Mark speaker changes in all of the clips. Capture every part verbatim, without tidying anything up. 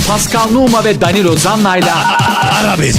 Speaker 1: Pascal Numa ve Danilo Zanna'yla
Speaker 2: Ara beni.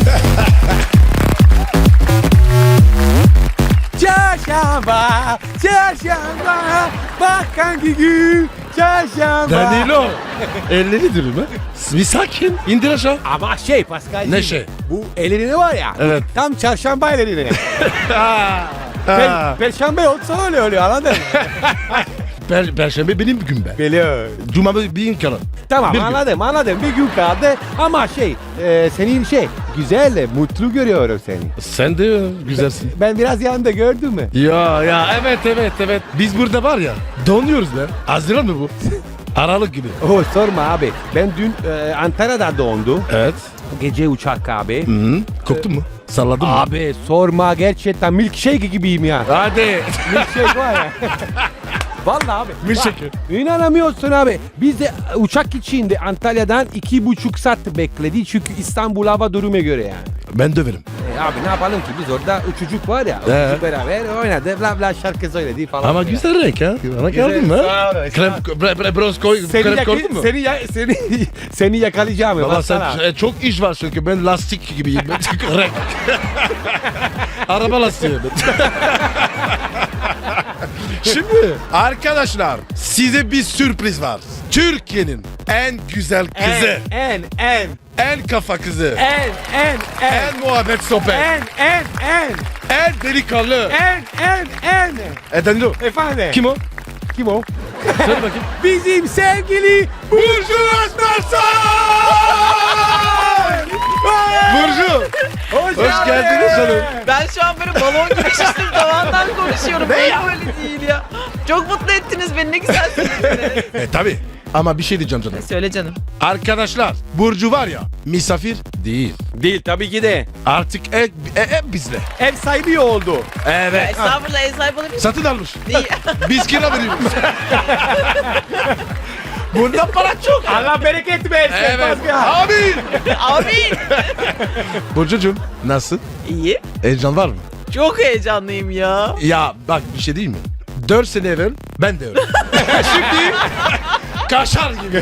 Speaker 3: Çarşamba, çarşamba, bak hangi gün, çarşamba.
Speaker 2: Danilo. Elleri dürüm ha. Bir sakin. İndir aşağı.
Speaker 3: Ama şey Pascal.
Speaker 2: Ne şey?
Speaker 3: Bu ellerini var ya.
Speaker 2: Evet.
Speaker 3: Tam çarşamba ellerini.
Speaker 2: Ha.
Speaker 3: Per, Perşembe olsa öyle oluyor anladın mı?
Speaker 2: Per, Perşembe benim gün be.
Speaker 3: Biliyor.
Speaker 2: Cuma bir gün kalan.
Speaker 3: Tamam
Speaker 2: Bir gün.
Speaker 3: anladım anladım bir gün kaldı ama şey e, senin şey güzel mutlu görüyorum seni.
Speaker 2: Sen de güzelsin.
Speaker 3: Ben biraz yanında gördün mü?
Speaker 2: Ya ya evet evet evet. Biz burada var ya donuyoruz be. Haziran mı bu? Aralık gibi.
Speaker 3: Oh sorma abi ben dün e, Antalya'da dondum.
Speaker 2: Evet.
Speaker 3: Gece uçak abi.
Speaker 2: Hı -hı. Koptun mu? Salladın mı?
Speaker 3: Abi sorma gerçekten milkshake gibiyim ya.
Speaker 2: Hadi.
Speaker 3: Milkshake var ya. Vallahi abi.
Speaker 2: Milkshake.
Speaker 3: Bak, İnanamıyorsun abi. Biz de uçak içinde Antalya'dan iki buçuk saat bekledi çünkü İstanbul hava durumu göre yani.
Speaker 2: Ben döverim.
Speaker 3: E abi ne yapalım ki biz orada uçucuk var ya.
Speaker 2: Ee?
Speaker 3: Uçucuk beraber oynadı bla bla şarkı söyledi falan.
Speaker 2: Ama
Speaker 3: filan.
Speaker 2: güzel renk ha. Bana geldin mi?
Speaker 3: Sağ ol,
Speaker 2: Krem, bre, bre, bronz koy,
Speaker 3: Seni,
Speaker 2: krem
Speaker 3: yaka-
Speaker 2: koydun mu?
Speaker 3: seni, ya- seni, seni yakalayacağım.
Speaker 2: Baba sen
Speaker 3: baksana.
Speaker 2: e, çok iş var çünkü ben lastik gibiyim. Ben renk. Araba lastiği. Şimdi arkadaşlar size bir sürpriz var. Türkiye'nin en güzel kızı,
Speaker 3: En, en, en,
Speaker 2: en kafa kızı,
Speaker 3: en, en, en,
Speaker 2: en muhabbet sohbet,
Speaker 3: en, en, en,
Speaker 2: en delikanlı.
Speaker 3: en, en, en.
Speaker 2: E Danilo.
Speaker 3: Efendim?
Speaker 2: Kim o?
Speaker 3: Kim o?
Speaker 2: Söyle bakayım.
Speaker 3: Bizim sevgili
Speaker 2: Burcu Özmersan! Burcu!
Speaker 3: Hoş,
Speaker 2: Hoş geldiniz canım.
Speaker 4: Ben şu an böyle balon gibi şiştim tavandan konuşuyorum.
Speaker 2: Ne
Speaker 4: Böyle
Speaker 2: ya?
Speaker 4: böyle değil ya. Çok mutlu ettiniz beni, ne güzel söylediniz.
Speaker 2: E tabi. Ama bir şey diyeceğim canım.
Speaker 4: Söyle canım.
Speaker 2: Arkadaşlar Burcu var ya misafir değil.
Speaker 3: Değil tabii ki de.
Speaker 2: Artık ev, e, ev bizde.
Speaker 3: Ev sahibi oldu.
Speaker 2: Evet.
Speaker 4: Estağfurullah, ev sahibi olabilir miyim?
Speaker 2: Satın almış.
Speaker 4: Değil.
Speaker 2: Biz kira veriyoruz. Bunda para çok.
Speaker 3: Allah bereket versin.
Speaker 2: Evet.
Speaker 3: Pascal.
Speaker 2: Amin.
Speaker 4: Amin.
Speaker 2: Burcucuğum nasıl?
Speaker 4: İyi.
Speaker 2: Heyecan var mı?
Speaker 4: Çok heyecanlıyım ya.
Speaker 2: Ya bak bir şey değil mi? Dört sene evvel ben de öyle. Şimdi kaşar gibi.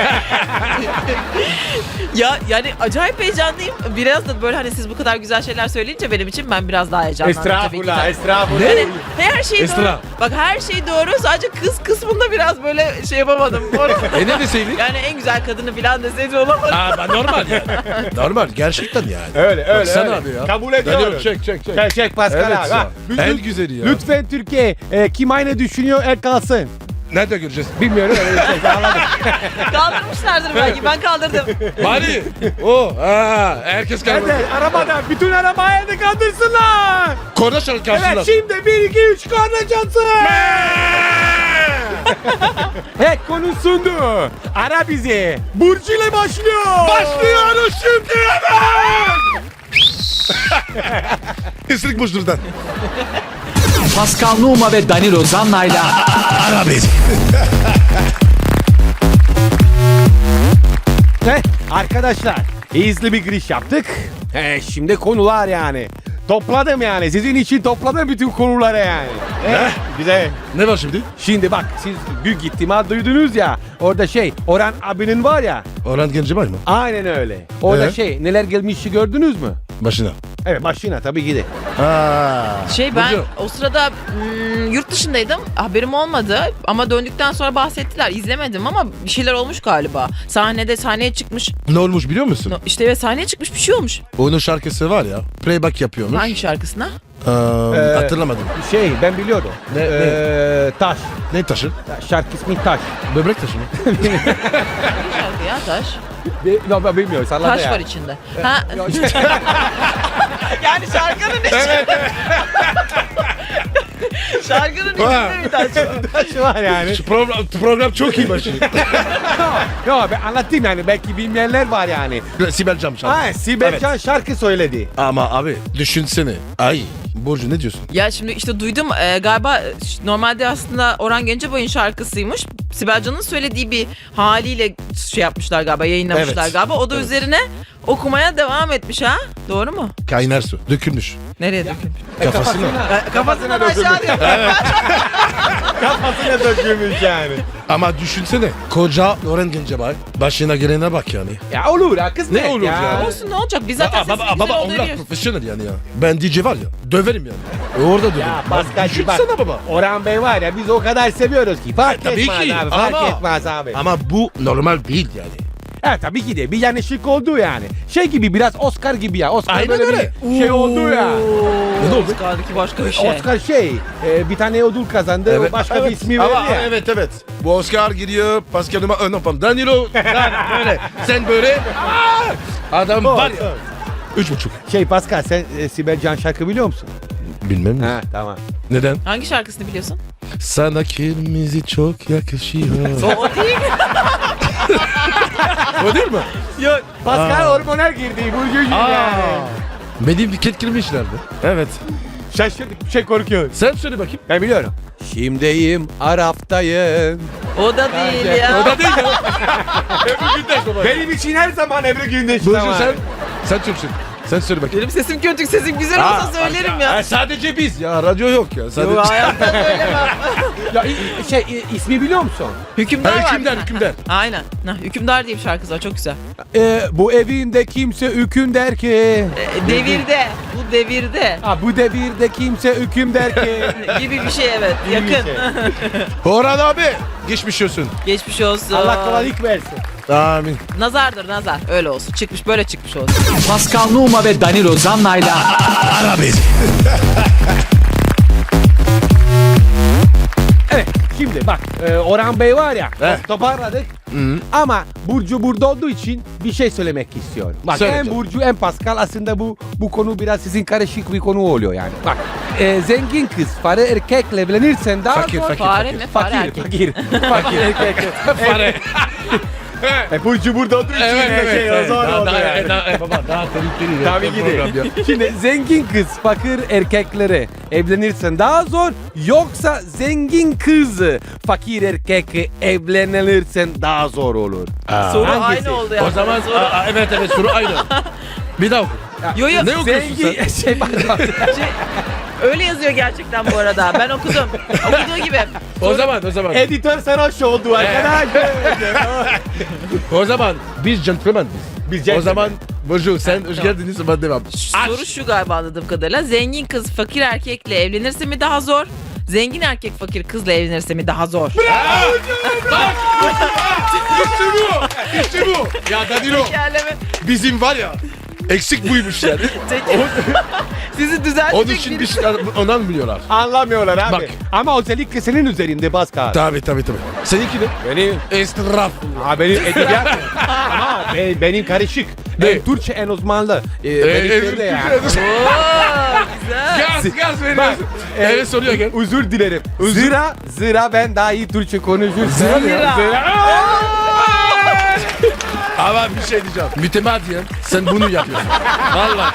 Speaker 4: Ya yani acayip heyecanlıyım. Biraz da böyle hani siz bu kadar güzel şeyler söyleyince benim için ben biraz daha heyecanlandım tabii ki.
Speaker 3: Estağfurullah, estağfurullah.
Speaker 4: Yani her şey
Speaker 2: Esra.
Speaker 4: doğru. Bak her şey doğru. Sadece kız kısmında biraz böyle şey yapamadım.
Speaker 2: e ne deseydik?
Speaker 4: Yani en güzel kadını falan deseydi olamadı.
Speaker 2: Aa, ben normal yani. Normal gerçekten yani.
Speaker 3: Öyle öyle.
Speaker 2: Baksana
Speaker 3: öyle.
Speaker 2: abi ya.
Speaker 3: Kabul ediyorum.
Speaker 2: Daniel, çek çek çek.
Speaker 3: Çek çek Pascal
Speaker 2: Evet
Speaker 3: abi.
Speaker 2: ya.
Speaker 3: Ha,
Speaker 2: En
Speaker 3: lütfen-
Speaker 2: güzeli ya.
Speaker 3: Lütfen Türkiye e, kim aynı düşünüyor el kalsın.
Speaker 2: Nerede göreceğiz?
Speaker 3: Bilmiyorum öyle bir şey anladım.
Speaker 4: Kaldırmışlardır belki. Ben kaldırdım.
Speaker 2: Bari. O. Ha, herkes kalmadı.
Speaker 3: Evet arabada bütün arabayı da kaldırsınlar.
Speaker 2: Korna çalın karşısına.
Speaker 3: Evet şimdi bir iki üç korna çalsın. Evet konuşsundu. Ara bizi. Burcu ile başlıyor.
Speaker 2: Başlıyoruz şimdi hemen. Isırık boşluktan.
Speaker 1: Pascal Numa ve Danilo Zanna'yla
Speaker 2: Ara beni.
Speaker 3: Evet, arkadaşlar hızlı bir giriş yaptık. He, şimdi konular yani. Topladım yani. Sizin için topladım bütün konuları yani. Evet, güzel.
Speaker 2: Ne var şimdi?
Speaker 3: Şimdi bak siz büyük ihtimal duydunuz ya. Orada şey Orhan abinin var ya.
Speaker 2: Orhan Gencebay mı?
Speaker 3: Aynen öyle. Orada
Speaker 2: Ee?
Speaker 3: şey neler gelmişi gördünüz mü?
Speaker 2: Başına.
Speaker 3: Evet başına tabii ki de.
Speaker 2: Ha.
Speaker 4: Şey ben
Speaker 2: Burcu.
Speaker 4: o sırada mm, yurt dışındaydım. Haberim olmadı ama döndükten sonra bahsettiler. İzlemedim ama bir şeyler olmuş galiba. Sahnede sahneye çıkmış.
Speaker 2: Ne olmuş biliyor musun?
Speaker 4: No, işte ve sahneye çıkmış bir şey olmuş.
Speaker 2: Onun şarkısı var ya. Playback yapıyormuş.
Speaker 4: Hangi şarkısına?
Speaker 2: Ee,
Speaker 3: Ee,
Speaker 2: hatırlamadım.
Speaker 3: Şey ben biliyordum.
Speaker 2: Ne-
Speaker 3: Ee, Taş.
Speaker 2: Ne taşı?
Speaker 3: Şarkı ismi Taş.
Speaker 2: Böbrek taşı mı?
Speaker 4: Hangi şarkı ya taş?
Speaker 3: Bi- No, ben bilmiyorum. Salladı
Speaker 4: Taş
Speaker 3: ya.
Speaker 4: var içinde. Ha,
Speaker 3: Yok,
Speaker 4: yani şarkının içinde. şarkının içinde bir taş var.
Speaker 3: Taş var yani.
Speaker 2: Şu program, program çok iyi başı.
Speaker 3: Yo ben anlatayım yani belki bilmeyenler var yani.
Speaker 2: Sibel Can şarkı.
Speaker 3: Ha Sibel
Speaker 2: Evet.
Speaker 3: Can şarkı söyledi.
Speaker 2: Ama abi düşünsene. Ay Burcu ne diyorsun?
Speaker 4: Ya şimdi işte duydum e, galiba e, normalde aslında Orhan Gencebay'ın şarkısıymış. Sibel Can'ın söylediği bir haliyle şey yapmışlar galiba, yayınlamışlar
Speaker 2: Evet.
Speaker 4: galiba. O da
Speaker 2: Evet.
Speaker 4: üzerine okumaya devam etmiş ha. Doğru mu?
Speaker 2: Kaynar su. Dökülmüş.
Speaker 4: Nereye dökülmüş?
Speaker 2: Kafasına.
Speaker 4: Kafasından
Speaker 3: dökülmüş.
Speaker 4: aşağı diyor.
Speaker 3: Kafasına dökülmüş yani.
Speaker 2: Ama düşünsene. Koca Loren Gencebay. Başına gelene bak yani.
Speaker 3: Ya olur ha kız
Speaker 2: Ne olur ya?
Speaker 4: Olsun, ne olacak? Biz zaten
Speaker 2: Aa,
Speaker 4: sesini
Speaker 2: baba,
Speaker 4: güzel
Speaker 2: baba
Speaker 4: olduğunu
Speaker 2: onlar
Speaker 4: biliyoruz.
Speaker 2: profesyonel yani ya. Ben D J var ya. Döverim yani. Orada döverim.
Speaker 3: Ya Paskal'cığım bak.
Speaker 2: Düşünsene baba.
Speaker 3: Orhan Bey var ya biz o kadar seviyoruz ki. Fark
Speaker 2: tabii
Speaker 3: etmez
Speaker 2: ki,
Speaker 3: abi. Fark
Speaker 2: ama-
Speaker 3: etmez abi.
Speaker 2: Ama bu normal değil yani.
Speaker 3: Evet tabii ki de bir yanlışlık oldu yani. Şey gibi biraz Oscar gibi ya. Oscar
Speaker 2: Aynen
Speaker 3: böyle
Speaker 2: öyle.
Speaker 3: bir şey oldu ya.
Speaker 2: Ne oldu?
Speaker 4: Oscar'daki başka bir şey.
Speaker 3: Oscar şey e, bir tane ödül kazandı. O başka
Speaker 2: evet.
Speaker 3: bir ismi
Speaker 2: Ama
Speaker 3: verdi ya.
Speaker 2: evet evet. Bu Oscar giriyor. Pascal Numa. Ön yapalım. Danilo. Lan böyle. Sen böyle. Aa! Adam
Speaker 3: O,
Speaker 2: var ya. Üç buçuk.
Speaker 3: Şey Pascal sen e, Sibel Can şarkı biliyor musun?
Speaker 2: Bilmem mi?
Speaker 3: Ha tamam.
Speaker 2: Neden?
Speaker 4: Hangi şarkısını biliyorsun?
Speaker 2: Sana kırmızı çok yakışıyor.
Speaker 4: O, o değil.
Speaker 2: O değil mi?
Speaker 3: Yok Pascal hormonal girdi. Bu yüzden yani.
Speaker 2: Benim dikkat girmişlerdi. Evet.
Speaker 3: Şaşırdık bir şey korkuyoruz.
Speaker 2: Sen söyle bakayım.
Speaker 3: Ben biliyorum. Şimdiyim Arap'tayım.
Speaker 4: O da değil ya.
Speaker 2: O da değil ya. Ebru Gündeş baba.
Speaker 3: Benim için her zaman Ebru Gündeş.
Speaker 2: Burcu
Speaker 3: zaman.
Speaker 2: sen. Sen Türksün. Sen söyle bakayım.
Speaker 4: Benim sesim kötü, sesim güzel olsa söylerim ya.
Speaker 2: Ha, sadece biz ya. Radyo yok ya. Sadece...
Speaker 4: Yo, hayatta söylemem.
Speaker 3: Ya, i- şey i- ismi biliyor musun?
Speaker 4: Hükümdar
Speaker 2: Ha,
Speaker 4: var.
Speaker 2: hükümdar,
Speaker 4: bir tane.
Speaker 2: hükümdar.
Speaker 4: Aynen. Ha, Hükümdar diye bir şarkısı var, çok güzel.
Speaker 3: Ee, bu evinde kimse hüküm der ki.
Speaker 4: E, devirde. Bu devirde.
Speaker 3: Ha, bu devirde kimse hüküm der ki.
Speaker 4: Gibi bir şey, evet.
Speaker 3: Gibi bir
Speaker 4: Yakın.
Speaker 3: şey.
Speaker 2: Orhan abi. Geçmiş olsun.
Speaker 4: Geçmiş olsun.
Speaker 3: Allah kolaylık versin.
Speaker 2: Amin.
Speaker 4: Nazardır nazar. Öyle olsun. Çıkmış, böyle çıkmış olsun.
Speaker 1: Pascal Numa ve Danilo Zanna'yla
Speaker 2: Ara beni.
Speaker 3: Evet şimdi bak e, Orhan Bey var ya
Speaker 2: Evet.
Speaker 3: toparladık. Ama Burcu burada olduğu için bir şey söylemek istiyorum. Bak
Speaker 2: Söyle
Speaker 3: hem
Speaker 2: canım.
Speaker 3: Burcu hem Pascal aslında bu bu konu biraz sizin karışık bir konu oluyor yani. Bak e, zengin kız para erkekle evlenirsen daha
Speaker 2: Fakir,
Speaker 3: zor.
Speaker 2: fakir.
Speaker 4: Fare mi? Fare
Speaker 3: Fakir,
Speaker 4: erkek.
Speaker 3: fakir, fakir erkek.
Speaker 2: Fare.
Speaker 3: E, Burcu burada olduğu için de şey o zor oldu yani.
Speaker 2: baba daha tehlikeli.
Speaker 3: Tabii ki de. Şimdi zengin kız fakir erkeklere evlenirsen daha zor. Yoksa zengin kız fakir erkek evlenirsen daha zor olur.
Speaker 4: Soru
Speaker 3: Hangisi?
Speaker 4: aynı oldu ya.
Speaker 2: O zaman
Speaker 4: Soru...
Speaker 2: aa, evet evet soru aynı. Bir daha oku.
Speaker 4: Yo yo.
Speaker 2: Ne okuyorsun
Speaker 3: Zengin şey pardon.
Speaker 4: Şey, öyle yazıyor gerçekten bu arada. Ben okudum. Okuduğu gibi.
Speaker 2: O zaman o zaman.
Speaker 3: Editör sarhoş oldu arkadaş.
Speaker 2: O zaman biz gentleman biz.
Speaker 3: Biz
Speaker 2: O
Speaker 3: gentleman.
Speaker 2: zaman Burcu sen hoş
Speaker 4: Tamam.
Speaker 2: geldiniz ama devam.
Speaker 4: Soru şu galiba anladığım kadarıyla. Zengin kız fakir erkekle evlenirse mi daha zor? Zengin erkek fakir kızla evlenirse mi daha zor?
Speaker 2: İşte bu. İşte bu. Ya Danilo
Speaker 4: Tekerleme.
Speaker 2: bizim var ya eksik buymuş yani.
Speaker 4: Teker... Sizi düzeltecek
Speaker 2: Onun için
Speaker 4: bir-
Speaker 2: bir şey ondan biliyorlar.
Speaker 3: Anlamıyorlar abi.
Speaker 2: Bak.
Speaker 3: Ama özellikle senin üzerinde Pascal.
Speaker 2: Tabii tabii tabii. Seninki ne?
Speaker 3: Benim,
Speaker 2: Estraf.
Speaker 3: ha, benim edebiyat. Ama be- benim karışık.
Speaker 2: Ne?
Speaker 3: Ben Türkçe en uzmanlı. Ee,
Speaker 2: Ee,
Speaker 3: benimkinde
Speaker 2: evet,
Speaker 3: ya.
Speaker 4: Oo, güzel.
Speaker 2: Gaz gaz
Speaker 3: Bak,
Speaker 2: veriyorsun.
Speaker 3: e,
Speaker 2: Evet soruyor gel.
Speaker 3: Özür dilerim. Zira, zira ben daha iyi Türkçe konuşursam.
Speaker 2: Zira ne ya?
Speaker 3: Zira.
Speaker 2: Ama bir şey diyeceğim. Mütemadiyen sen bunu yapıyorsun. Vallahi.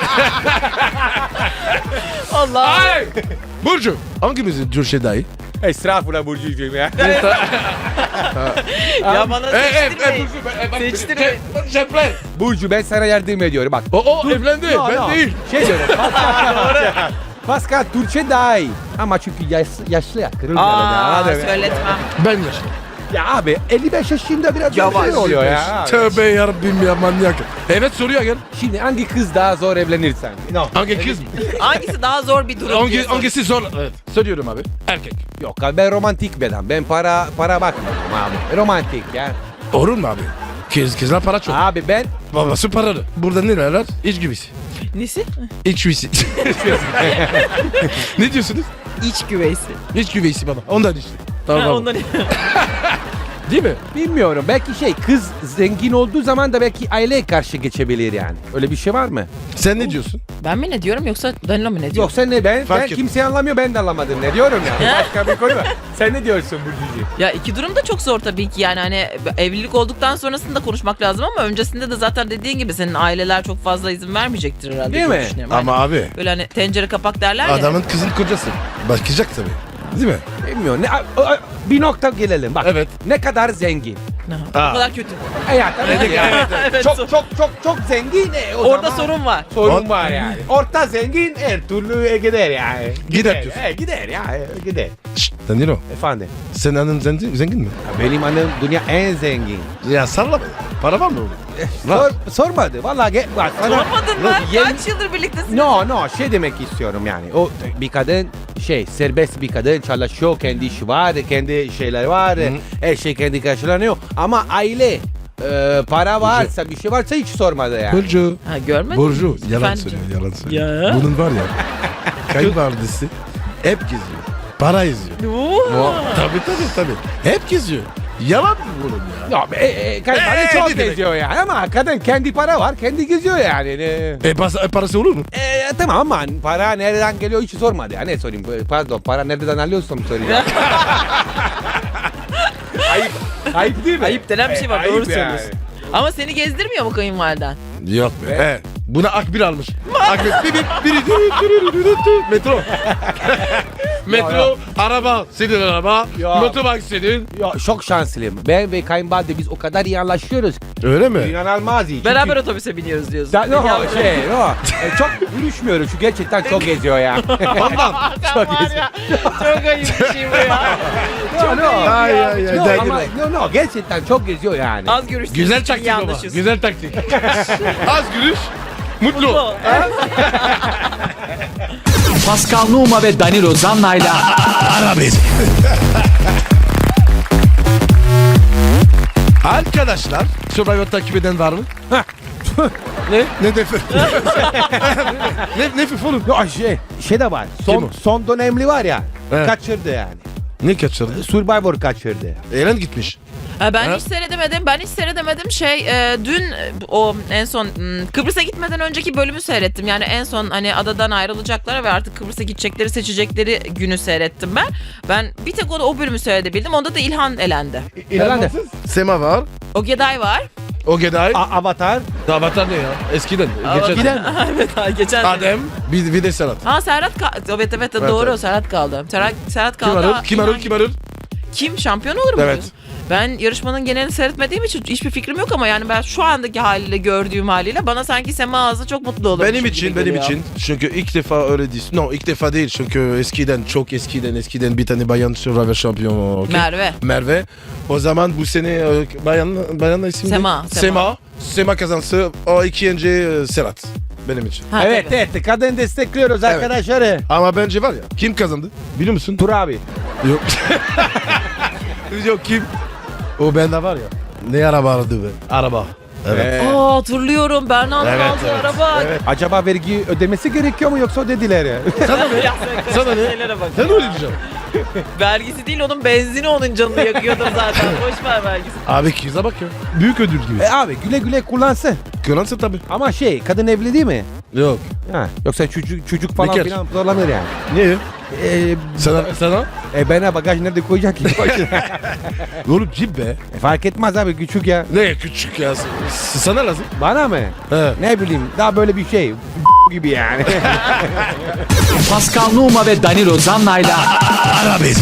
Speaker 4: Allah.
Speaker 2: Ay! Burcu hangimizin Türkçe daha iyi?
Speaker 3: Estağfurullah Burcucuğum ya.
Speaker 4: Ya bana
Speaker 2: E, e, e,
Speaker 4: seçtirmeyin.
Speaker 2: Burcu, e, bak,
Speaker 4: Seçtirmeyin.
Speaker 2: Ce- Ceplen.
Speaker 3: Burcu ben sana yardım ediyorum bak.
Speaker 2: O, o evlendi.
Speaker 3: Yo,
Speaker 2: ben
Speaker 3: yo.
Speaker 2: değil.
Speaker 3: Şey diyorum. Pascal, Pascal Türkçe daha iyi. Ama çünkü yaş, yaşlı ya. Kırıldı
Speaker 4: Aa,
Speaker 3: arada. Hadi be.
Speaker 4: söyletmem.
Speaker 2: Ben yaşlı.
Speaker 3: Ya abi elli beş yaşında biraz
Speaker 4: Yavaş.
Speaker 3: şey oluyor ya.
Speaker 2: Tövbe yarabbim ya manyak. Evet soruyor gel.
Speaker 3: Şimdi hangi kız daha zor evlenirsen? No.
Speaker 2: Hangi kız mı?
Speaker 4: Hangisi daha zor bir durum? diye
Speaker 2: Hangi,
Speaker 4: soruyor.
Speaker 2: hangisi zor? Evet. Söylüyorum abi. Erkek.
Speaker 3: Yok abi ben romantik bir adam. Ben para para bakmıyorum abi. Romantik ya.
Speaker 2: Olur mu abi? Kız, kızlar para çok.
Speaker 3: Abi ben
Speaker 2: Babası paralı. Burada ne derler? İç güvesi.
Speaker 4: Nesi?
Speaker 2: İç güvesi. Ne diyorsunuz?
Speaker 4: İç güveysi.
Speaker 2: İç güvesi baba. Ondan işte. Tamam.
Speaker 4: Ha,
Speaker 2: tamam.
Speaker 4: ondan...
Speaker 3: değil mi? Bilmiyorum. Belki şey kız zengin olduğu zaman da belki aileye karşı geçebilir yani. Öyle bir şey var mı?
Speaker 2: Sen ne diyorsun?
Speaker 4: Ben mi ne diyorum yoksa Danilo mu ne diyor?
Speaker 3: Yok sen ne ben,
Speaker 2: Fark
Speaker 3: ben
Speaker 2: et.
Speaker 3: kimse anlamıyor ben de anlamadım ne diyorum ya. Başka bir konu var. Sen ne diyorsun Burcucuğum?
Speaker 4: Ya iki durum da çok zor tabii ki yani hani evlilik olduktan sonrasında konuşmak lazım ama öncesinde de zaten dediğin gibi senin aileler çok fazla izin vermeyecektir herhalde.
Speaker 3: Değil
Speaker 4: diye
Speaker 3: mi?
Speaker 4: düşünüyorum.
Speaker 2: Ama
Speaker 4: Hani
Speaker 2: abi
Speaker 4: böyle hani tencere kapak derler ya.
Speaker 2: adamın kızın kocası. Bakacak tabii. Değil mi?
Speaker 3: bilmiyorum. Ne, a- a- bir nokta gelelim bak.
Speaker 2: Evet.
Speaker 3: Ne kadar zengin.
Speaker 4: O kadar kötü.
Speaker 3: E ya tabii
Speaker 2: Evet,
Speaker 3: ki yani.
Speaker 2: evet,
Speaker 4: evet.
Speaker 3: Çok çok çok çok zengin. E, o
Speaker 4: Orada
Speaker 3: zaman
Speaker 4: sorun var.
Speaker 3: sorun
Speaker 2: Or-
Speaker 3: var yani. Orta zengin her türlü e, gider yani.
Speaker 2: Gider diyorsun.
Speaker 3: E, gider ya e, gider.
Speaker 2: Şşt, Danilo.
Speaker 3: Efendim.
Speaker 2: Senin annen zengin, zengin mi?
Speaker 3: Benim annem dünya en zengin.
Speaker 2: Ya sallama. Para var mı oğlum?
Speaker 3: Sor, sormadı. Vallahi ge- bak sana.
Speaker 4: Sormadın mı?
Speaker 3: Yeni-
Speaker 4: Kaç yıldır birliktesin?
Speaker 3: No no şey demek istiyorum yani. O bir kadın şey serbest bir kadın çalışıyor, kendi işi var, kendi şeyler var, her şey kendi karşılanıyor. Ama aile e, para varsa bir şey varsa hiç sormadı yani.
Speaker 2: Burcu.
Speaker 4: Ha, görmedin
Speaker 2: Burcu.
Speaker 4: mi?
Speaker 2: Yalan
Speaker 4: Efendim?
Speaker 2: söylüyor. Yalan söylüyor.
Speaker 4: Ya.
Speaker 2: Bunun var ya. Kayınvalidesi hep geziyor. Para izliyor.
Speaker 4: Oo.
Speaker 2: Tabii tabii tabii. Hep geziyor. Yalan mı bunun ya?
Speaker 3: Ya e, e, kadın
Speaker 2: Ee,
Speaker 3: çok
Speaker 2: ne demek?
Speaker 3: geziyor yani ama kadın kendi para var, kendi geziyor yani. Ne-
Speaker 2: E, pas- e, parası olur mu?
Speaker 3: E, tamam ama para nereden geliyor hiç sormadı. Ya ne sorayım? Pardon, para nereden alıyorsam sorayım. ayıp, ayıp değil mi?
Speaker 4: Ayıp denen bir şey var.
Speaker 3: E,
Speaker 4: Doğru
Speaker 3: ayıp yani.
Speaker 4: söylüyorsun. Ama seni gezdirmiyor mu kayınvaliden?
Speaker 2: Yok be. He. Buna Akbil almış. Akbil. Bir bir biri dürü dürü dürü dürü. Metro. Metro, araba, senin araba,
Speaker 3: Ya.
Speaker 2: motorbike senin.
Speaker 3: Ya, çok şanslıyım. Ben ve kayınvalide biz o kadar iyi anlaşıyoruz.
Speaker 2: Öyle mi?
Speaker 3: İnanılmaz iyi.
Speaker 4: Beraber
Speaker 3: Çünkü-
Speaker 4: otobüse biniyoruz diyorsun.
Speaker 3: Da, no,
Speaker 4: Ya,
Speaker 3: şey, no. E, çok görüşmüyoruz çünkü gerçekten çok geziyor ya.
Speaker 2: Ondan.
Speaker 4: Sen var ya, çok ayıp bir şey bu ya.
Speaker 3: no, no.
Speaker 2: Ay ay ay.
Speaker 3: No,
Speaker 2: Dengeli
Speaker 3: ama,
Speaker 2: ol.
Speaker 3: no, no, gerçekten çok geziyor yani.
Speaker 4: Az görüştüğünüz
Speaker 2: Güzel
Speaker 4: için
Speaker 2: taktik
Speaker 4: iyi
Speaker 2: baba.
Speaker 4: anlaşıyorsun.
Speaker 2: Güzel taktik. Az gülüş. Mutlu.
Speaker 4: Mutlu.
Speaker 1: Pascal Numa ve Danilo Zanna'yla
Speaker 2: Ara beni. Arkadaşlar, Survivor takip eden var mı? ne? Ne defa? ne ne FIFA oğlum?
Speaker 3: No, şey, şey de var.
Speaker 2: Kim
Speaker 3: Son,
Speaker 2: o?
Speaker 3: son dönemli var ya.
Speaker 2: Evet.
Speaker 3: Kaçırdı yani.
Speaker 2: Ne kaçırdı?
Speaker 3: Survivor kaçırdı.
Speaker 2: Eren gitmiş.
Speaker 4: Ha, ben
Speaker 2: Ha?
Speaker 4: hiç seyredemedim. Ben hiç seyredemedim. Şey e, dün e, o en son m, Kıbrıs'a gitmeden önceki bölümü seyrettim. Yani en son hani adadan ayrılacaklar ve artık Kıbrıs'a gidecekleri seçecekleri günü seyrettim ben. Ben bir tek o, o bölümü seyredebildim. Onda da İlhan elendi.
Speaker 3: İleride.
Speaker 2: Sema var.
Speaker 4: Ogeday var.
Speaker 2: Ogeday.
Speaker 3: A- Avatar.
Speaker 2: Avatar ne ya? Eskiden. Geçen.
Speaker 3: Giden.
Speaker 4: evet ha, geçen sene.
Speaker 2: Adem. Bir, bir de Serhat.
Speaker 4: Ha Serhat ka- evet evet
Speaker 2: Evet,
Speaker 4: doğru
Speaker 2: evet.
Speaker 4: Serhat kaldı. Serhat, Serhat
Speaker 2: Kim
Speaker 4: kaldı.
Speaker 2: arır? Kim arır? Kim arır?
Speaker 4: Kim şampiyon olur mu?
Speaker 2: Evet.
Speaker 4: diyorsun? Ben yarışmanın genelini seyretmediğim için hiçbir fikrim yok ama yani ben şu andaki haliyle gördüğüm haliyle bana sanki Sema Ağzı çok mutlu olur.
Speaker 2: Benim için, benim için. Çünkü ilk defa öyle değil. No, ilk defa değil. Çünkü eskiden, çok eskiden, eskiden bir tane bayan Survivor şampiyonu. Okay?
Speaker 4: Merve.
Speaker 2: Merve. O zaman bu sene e, bayan, bayanla isim
Speaker 4: Sema,
Speaker 2: ne?
Speaker 4: Sema.
Speaker 2: Sema. Sema kazansı. O ikinci e, Serhat. Benim için.
Speaker 4: Ha,
Speaker 3: Evet
Speaker 4: tabii.
Speaker 3: evet kadın destekliyoruz arkadaşları.
Speaker 2: Ama bence var ya. Kim kazandı? Biliyor musun?
Speaker 3: Tur abi.
Speaker 2: Yok. Yok kim? O bende var ya. Ne araba aradı be? Araba. Evet.
Speaker 3: Ee,
Speaker 4: Aa hatırlıyorum Berna'nın
Speaker 2: Evet,
Speaker 4: aldığı
Speaker 2: evet,
Speaker 4: araba.
Speaker 3: acaba vergi ödemesi gerekiyor mu yoksa ödediler ya?
Speaker 2: Sana ne?
Speaker 4: Ya sen
Speaker 2: Sana ne?
Speaker 4: şeylere bak
Speaker 2: Sen
Speaker 4: ya.
Speaker 2: öyle diyeceksin.
Speaker 4: Vergisi değil onun benzini onun canını yakıyordur zaten. Boş ver vergisi.
Speaker 2: Abi kıza bak ya. Büyük ödül gibi.
Speaker 3: e abi güle güle kullansın.
Speaker 2: Kılansın tabii.
Speaker 3: Ama şey kadın evli değil mi?
Speaker 2: Yok.
Speaker 3: Ha, yoksa çocuk, çocuk falan
Speaker 2: Bekar.
Speaker 3: filan zorlanır yani.
Speaker 2: Niye?
Speaker 3: E,
Speaker 2: Sana, sana?
Speaker 3: e bana bagaj nerede koyacak ki?
Speaker 2: Oğlum cip be.
Speaker 3: E, fark etmez abi küçük ya.
Speaker 2: Ne küçük ya. S- Sana lazım.
Speaker 3: Bana mı?
Speaker 2: He.
Speaker 3: Ne bileyim daha böyle bir şey gibi yani.
Speaker 1: Pascal Numa ve Danilo Zanna'yla
Speaker 2: Ara beni.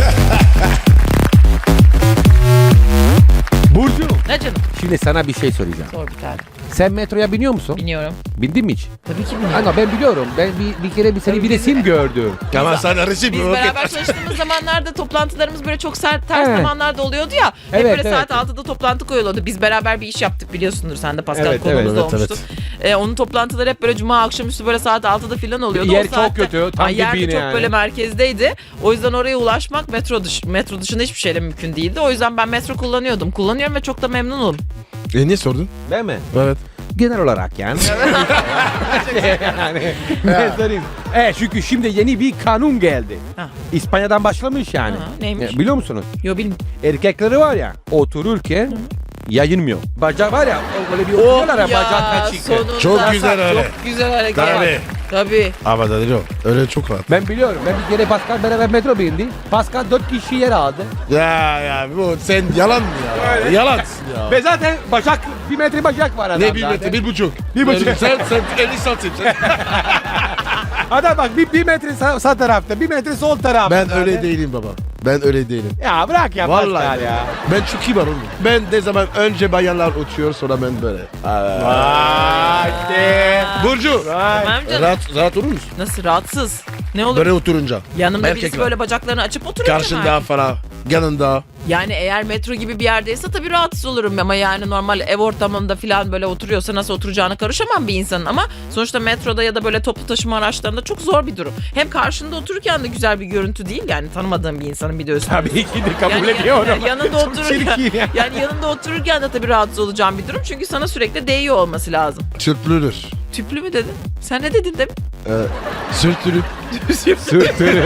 Speaker 3: Burcu.
Speaker 4: Ne canım?
Speaker 3: Şimdi sana bir şey soracağım.
Speaker 4: Sor bir tane.
Speaker 3: Sen metroya biniyor musun?
Speaker 4: Biniyorum.
Speaker 3: Bindin mi hiç?
Speaker 4: Tabii ki biniyorum.
Speaker 3: Ama ben biliyorum. Ben bir, bir kere bir seni bir resim gördüm.
Speaker 2: Tamam sana resim.
Speaker 4: Biz
Speaker 2: okey.
Speaker 4: beraber çalıştığımız zamanlarda toplantılarımız böyle çok sert ters
Speaker 3: Evet.
Speaker 4: zamanlarda oluyordu ya. Hep
Speaker 3: Evet,
Speaker 4: böyle
Speaker 3: evet.
Speaker 4: saat altıda toplantı koyuluyordu. Biz beraber bir iş yaptık biliyorsundur sen de Pascal
Speaker 3: Evet,
Speaker 4: konumuz
Speaker 3: evet,
Speaker 4: da
Speaker 2: evet,
Speaker 4: olmuştu. Ee, onun toplantıları hep böyle cuma akşamüstü böyle saat altıda falan oluyordu.
Speaker 3: Yer
Speaker 4: O
Speaker 3: çok
Speaker 4: saatte-
Speaker 3: kötü, tam
Speaker 4: Ay, yer de
Speaker 3: dibine
Speaker 4: çok
Speaker 3: yani.
Speaker 4: böyle merkezdeydi. O yüzden oraya ulaşmak metro dış, metro dışında hiçbir şeyle mümkün değildi. O yüzden ben metro kullanıyordum. Kullanıyorum ve çok da memnunum.
Speaker 2: E niye sordun?
Speaker 3: Ben mi?
Speaker 2: Evet.
Speaker 3: Genel olarak yani. yani ne söyleyeyim? Evet çünkü şimdi yeni bir kanun geldi.
Speaker 4: Ha.
Speaker 3: İspanya'dan başlamış yani.
Speaker 4: Ha, neymiş?
Speaker 3: Ya, biliyor musunuz?
Speaker 4: Yo bilmiyorum.
Speaker 3: Erkekleri var ya otururken yayınmıyor. Bacağı var ya o böyle bir oturuyorlar ya bacağı kaçık.
Speaker 4: sonunda
Speaker 2: Çok güzel öyle.
Speaker 4: Çok güzel hareket.
Speaker 2: Tabii.
Speaker 4: Tabii.
Speaker 2: Ama da değil o. Öyle çok rahat.
Speaker 3: Ben biliyorum. Ben bir kere Pascal beraber metro bindi. Pascal dört kişi yer aldı.
Speaker 2: Ya ya bu sen yalan mı ya? Yalansın ya.
Speaker 3: Ve zaten bacak bir metre bacak var adamda.
Speaker 2: Ne bir metre? Bir buçuk.
Speaker 3: Bir buçuk.
Speaker 2: Sen, sen elli santim. Sen...
Speaker 3: Adam bak bir, bir metre sağ, sağ tarafta, bir metre sol tarafta.
Speaker 2: Ben öyle değilim baba. Ben öyle değilim.
Speaker 3: Ya bırak ya
Speaker 2: Vallahi
Speaker 3: Pascal
Speaker 2: ben-
Speaker 3: ya.
Speaker 2: Ben çok iyi var oğlum. Ben ne zaman önce bayanlar uçuyor sonra ben böyle.
Speaker 3: Vay işte.
Speaker 2: Burcu.
Speaker 3: Vay.
Speaker 4: Tamam canım.
Speaker 2: Rahat, rahat olur musun?
Speaker 4: Nasıl rahatsız? Ne olur?
Speaker 2: Böyle oturunca.
Speaker 4: Yanımda
Speaker 2: Erkek
Speaker 4: birisi
Speaker 2: var.
Speaker 4: böyle bacaklarını açıp oturuyor.
Speaker 2: Karşında falan. Yanında.
Speaker 4: Yani eğer metro gibi bir yerdeyse tabii rahatsız olurum ama yani normal ev ortamında falan böyle oturuyorsa nasıl oturacağına karışamam bir insanın ama sonuçta metroda ya da böyle toplu taşıma araçlarında çok zor bir durum. Hem karşında otururken de güzel bir görüntü değil yani tanımadığım bir insanın bir de üstüne.
Speaker 3: Tabii ki de kabul
Speaker 4: Yani
Speaker 3: ediyorum.
Speaker 4: yanında
Speaker 3: Çok
Speaker 4: otururken,
Speaker 3: çirkin ya.
Speaker 4: yani yanında otururken de tabii rahatsız olacağım bir durum. Çünkü sana sürekli değiyor olması lazım.
Speaker 2: Sürtülür.
Speaker 4: Tüplü mü dedin? Sen ne dedin demin?
Speaker 2: Ee, sürtülür.
Speaker 3: Sürtülür.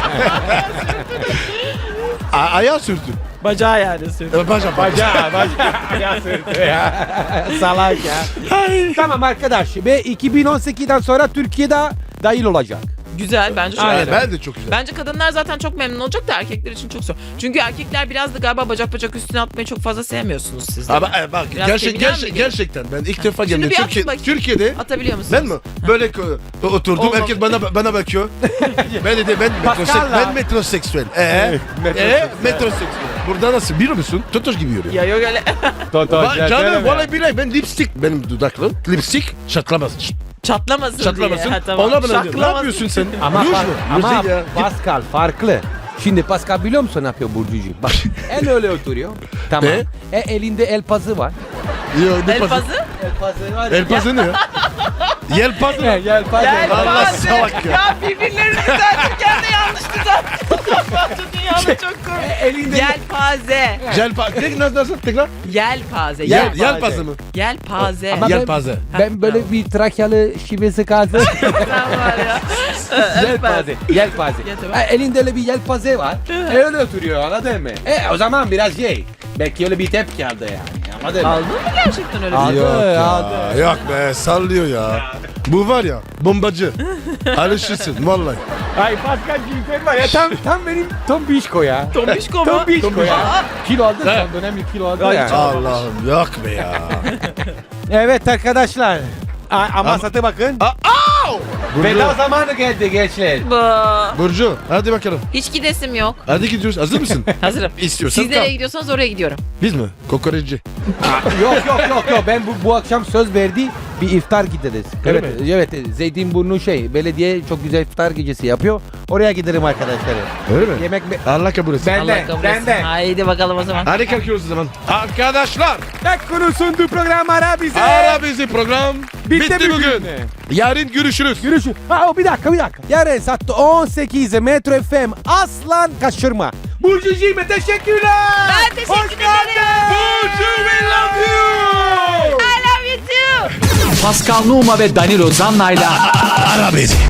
Speaker 2: A- ayağı sürtür.
Speaker 4: Bacağı yani sürekli.
Speaker 2: Ee, Baca, baca.
Speaker 3: Bacağı, bacağı. Ya sürtü ya. Salak ya. Tamam arkadaş. Ve iki bin on sekizden sonra Türkiye'de dahil olacak.
Speaker 4: Güzel bence çok
Speaker 2: Aynen,
Speaker 4: güzel.
Speaker 2: ben de çok güzel.
Speaker 4: Bence kadınlar zaten çok memnun olacak da erkekler için çok zor. Çünkü erkekler biraz da galiba bacak bacak üstüne atmayı çok fazla sevmiyorsunuz siz de.
Speaker 2: Ama e, bak
Speaker 4: Biraz
Speaker 2: gerçek,
Speaker 4: feminen
Speaker 2: gerçek,
Speaker 4: mi geliyor?
Speaker 2: gerçekten ben ilk defa
Speaker 4: Şimdi
Speaker 2: geldim.
Speaker 4: bir atın
Speaker 2: Türkiye,
Speaker 4: bakayım.
Speaker 2: Türkiye'de
Speaker 4: Atabiliyor musunuz?
Speaker 2: ben mi? Böyle ko- oturdum
Speaker 4: Olmaz.
Speaker 2: herkes bana bana bakıyor. ben de ben metrosek,
Speaker 3: Pascal'la.
Speaker 2: ben metroseksüel. Ee,
Speaker 3: metroseksüel.
Speaker 2: ee, metroseksüel. Burada nasıl biliyor musun? Totoş gibi yürüyor.
Speaker 4: Ya yok öyle.
Speaker 3: Toto,
Speaker 2: Ba- canım vallahi billahi ben lipstick benim dudaklarım lipstick çatlamaz.
Speaker 4: Çatlamasın,
Speaker 2: Çatlamasın.
Speaker 4: diye. Ha, tamam.
Speaker 2: Ona bana ne
Speaker 4: Şaklamasın.
Speaker 2: yapıyorsun sen?
Speaker 3: Ama,
Speaker 2: Ruj
Speaker 3: far-
Speaker 2: mu?
Speaker 3: ama
Speaker 2: Ruj değil ya.
Speaker 3: Pascal farklı. Şimdi Pascal biliyor musun ne yapıyor Burcucuğum? Bak en öyle oturuyor. Tamam.
Speaker 2: Ne?
Speaker 3: E, elinde el pazı var.
Speaker 2: Yo, ne
Speaker 4: El
Speaker 2: pazı?
Speaker 4: pazı.
Speaker 3: El pazı var.
Speaker 2: El pazı ne ya? Yel pazı mı?
Speaker 3: El pazı.
Speaker 4: Gel
Speaker 2: Allah
Speaker 4: pazı.
Speaker 2: salak ya.
Speaker 4: Ya birbirlerini düzeltirken de yanlış düzeltirken. Dünyada çok komik.
Speaker 3: Elinde
Speaker 4: Yelpaze.
Speaker 2: Jel pazı. Tek nasıl nasıl tekrar?
Speaker 4: Yelpaze.
Speaker 2: Yel,
Speaker 3: Yelpaze.
Speaker 2: yel pazı mı?
Speaker 4: Yelpaze.
Speaker 3: Ama
Speaker 2: Yel
Speaker 3: ben-
Speaker 2: pazı.
Speaker 3: Ben böyle bir Trakyalı şivesi kaldı.
Speaker 4: Sen var ya.
Speaker 3: Yelpaze. Yelpaze.
Speaker 4: Ya, tamam.
Speaker 3: Ha, elinde öyle bir yelpaze var. E, öyle oturuyor anladın mı? E o zaman biraz şey. Belki öyle bir tepki aldı yani. Anladın mı?
Speaker 4: Aldın mı gerçekten öyle bir
Speaker 3: Aldı.
Speaker 4: şey?
Speaker 2: Yok ya.
Speaker 3: aldı.
Speaker 2: Yok be sallıyor ya. Bu var ya bombacı. Alışırsın vallahi.
Speaker 3: Ay Pascal Gülten var ya tam tam benim tombişko ya.
Speaker 4: Tombişko mu?
Speaker 3: Tombişko ya.
Speaker 4: Aa,
Speaker 3: Kilo aldı
Speaker 2: Evet.
Speaker 3: son dönem bir kilo aldı
Speaker 4: Ay,
Speaker 3: ya.
Speaker 4: çok-
Speaker 2: Allah'ım yok be ya.
Speaker 3: Evet arkadaşlar. A- ama
Speaker 2: Ama-
Speaker 3: satı bakın.
Speaker 2: Aa, au!
Speaker 3: Veda
Speaker 2: Burcu,
Speaker 3: zamanı geldi gençler.
Speaker 4: bu.
Speaker 2: Burcu hadi bakalım.
Speaker 4: Hiç gidesim yok.
Speaker 2: Hadi gidiyoruz. Hazır mısın?
Speaker 4: Hazırım.
Speaker 2: İstiyorsan
Speaker 4: Siz nereye
Speaker 2: kal.
Speaker 4: gidiyorsanız oraya gidiyorum.
Speaker 2: Biz mi? Kokoreççi.
Speaker 3: yok yok yok yok ben bu, bu akşam söz verdi bir iftar gideriz.
Speaker 2: Öyle
Speaker 3: evet
Speaker 2: mi?
Speaker 3: evet Zeytinburnu şey belediye çok güzel iftar gecesi yapıyor. Oraya giderim arkadaşlar.
Speaker 2: Öyle mi?
Speaker 3: Yemek mi?
Speaker 2: Allah kabul etsin.
Speaker 3: Ben-
Speaker 4: Allah kabul etsin.
Speaker 3: ben de.
Speaker 4: Haydi bakalım o zaman.
Speaker 2: Hadi kalkıyoruz o zaman. Arkadaşlar.
Speaker 3: Tek konu sundu program ara bize.
Speaker 2: Ara bizi program.
Speaker 3: Bitti
Speaker 2: Bitti,
Speaker 3: bugün.
Speaker 2: bugün. Yarın görüşürüz.
Speaker 3: Görüşürüz. Ha bir dakika bir dakika. Yarın saat on sekizde Metro F M aslan kaçırma. Burcucuğum teşekkürler.
Speaker 4: Ben teşekkür
Speaker 3: Hoş geldin.
Speaker 4: ederim.
Speaker 2: Burcu we love you.
Speaker 4: I love you too.
Speaker 1: Pascal Numa ve Danilo Zanna'yla
Speaker 2: Ara bizi.